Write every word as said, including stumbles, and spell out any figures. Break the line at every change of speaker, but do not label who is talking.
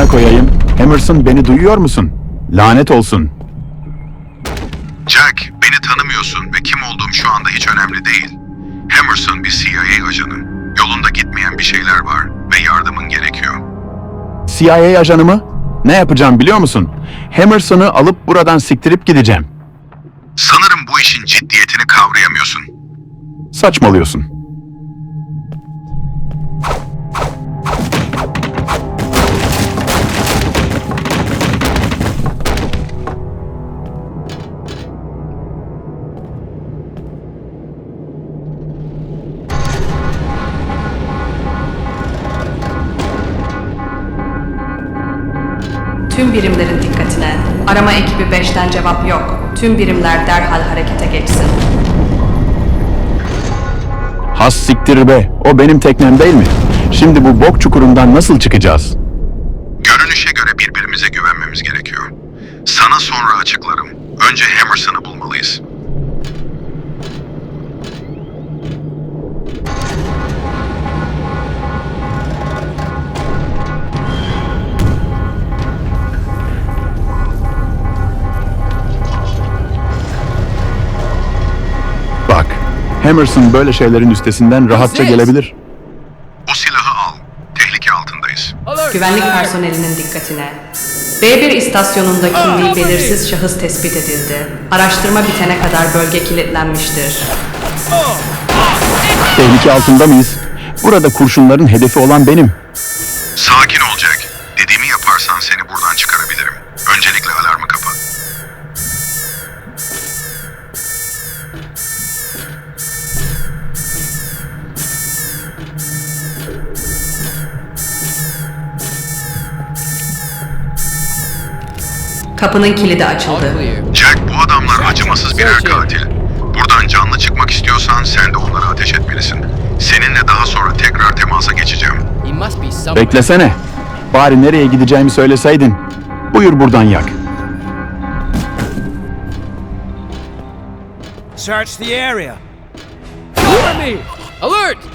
amına koyayım. Emerson, beni duyuyor musun? Lanet olsun.
Jack, beni tanımıyorsun ve kim olduğum şu anda hiç önemli değil. Emerson bir C I A ajanı. Yolunda gitmeyen bir şeyler var ve yardımın gerekiyor.
C I A ajanı mı? Ne yapacağım biliyor musun? Emerson'ı alıp buradan siktirip gideceğim.
Sanırım bu işin ciddiyetini kavrayamıyorsun.
Saçmalıyorsun.
Tüm birimlerin dikkatine. Arama ekibi beşten cevap yok. Tüm birimler derhal harekete geçsin.
Has siktir be. O benim teknem değil mi? Şimdi bu bok çukurundan nasıl çıkacağız?
Görünüşe göre birbirimize güvenmemiz gerekiyor. Sana sonra açıklarım. Önce Emerson'ı bulmalıyız.
Bak, Emerson böyle şeylerin üstesinden rahatça gelebilir.
O silahı al. Tehlike altındayız.
Güvenlik personelinin dikkatine. B bir istasyonunda kimliği belirsiz şahıs tespit edildi. Araştırma bitene kadar bölge kilitlenmiştir.
Tehlike altında mıyız? Burada kurşunların hedefi olan benim.
Sakin ol Jack. Dediğimi yaparsan seni buradan çıkarabilirim. Öncelikle alarmı kapat.
Kapının kilidi açıldı.
Jack, bu adamlar acımasız birer katil. Buradan canlı çıkmak istiyorsan sen de onlara ateş etmelisin. Seninle daha sonra tekrar temasa geçeceğim.
Beklesene. Bari nereye gideceğimi söyleseydin. Buyur buradan yak.
Search the area.
Cover me! Alert!